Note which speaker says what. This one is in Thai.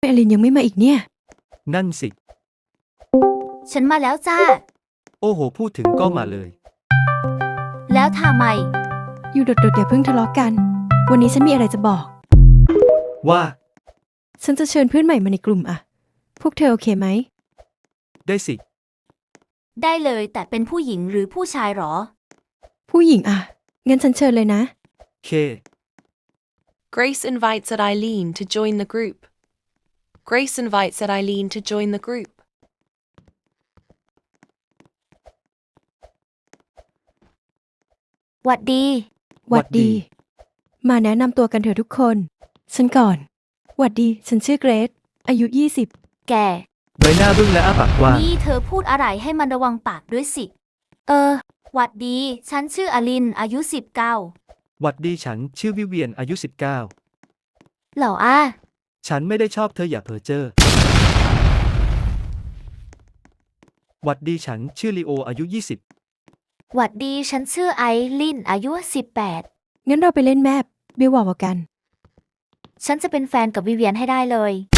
Speaker 1: อลินยังไม่มาอีกเนี่ย
Speaker 2: นั่นสิ
Speaker 3: ฉันมาแล้วจ้า
Speaker 2: โอ้โหพูดถึงก็มาเลย
Speaker 3: แล้วทำไม
Speaker 1: อยู่โดดๆอย่าเพิ่งทะเลาะกัน วันนี้ฉันมีอะไรจะบอก
Speaker 2: ว่า
Speaker 1: ฉันจะเชิญเพื่อนใหม่มาในกลุ่มอะพวกเธอโอเคไหม
Speaker 2: ได้สิ
Speaker 3: ได้เลยแต่เป็นผู้หญิงหรือผู้ชายหรอ
Speaker 1: ผู้หญิงอะงั้นฉันเชิญเลยนะ
Speaker 2: เค
Speaker 4: Grace invites Eileen to join the group. Grace invites Eileen to join the group.
Speaker 3: หวัดดี
Speaker 1: หวัดดี มาแนะนำตัวกันเถอะทุกคน ฉันก่อน หวัดดี ฉันชื่อเกรซอายุ 20
Speaker 3: แก
Speaker 2: ใบหน้าบึ้งและอ้าปากกว้าง
Speaker 3: นี่เธอพูดอะไรให้มันระวังปากด้วยสิ หวัดดี ฉันชื่ออลิน อายุ 19
Speaker 2: หวัดดีฉันชื่อวิเวียนอายุ
Speaker 3: เหล่าอ้า
Speaker 2: 19 ฉันไม่ได้ชอบเธออย่าเพ้อเจ้อหวัดดีฉันชื่อลีโออายุ
Speaker 3: หวัดดี ฉันชื่อไอลิน อายุ 18
Speaker 1: งั้นเราไปเล่นแมปบิวบอกกัน
Speaker 3: ฉันจะเป็นแฟนกับวิเวียนให้ได้เลย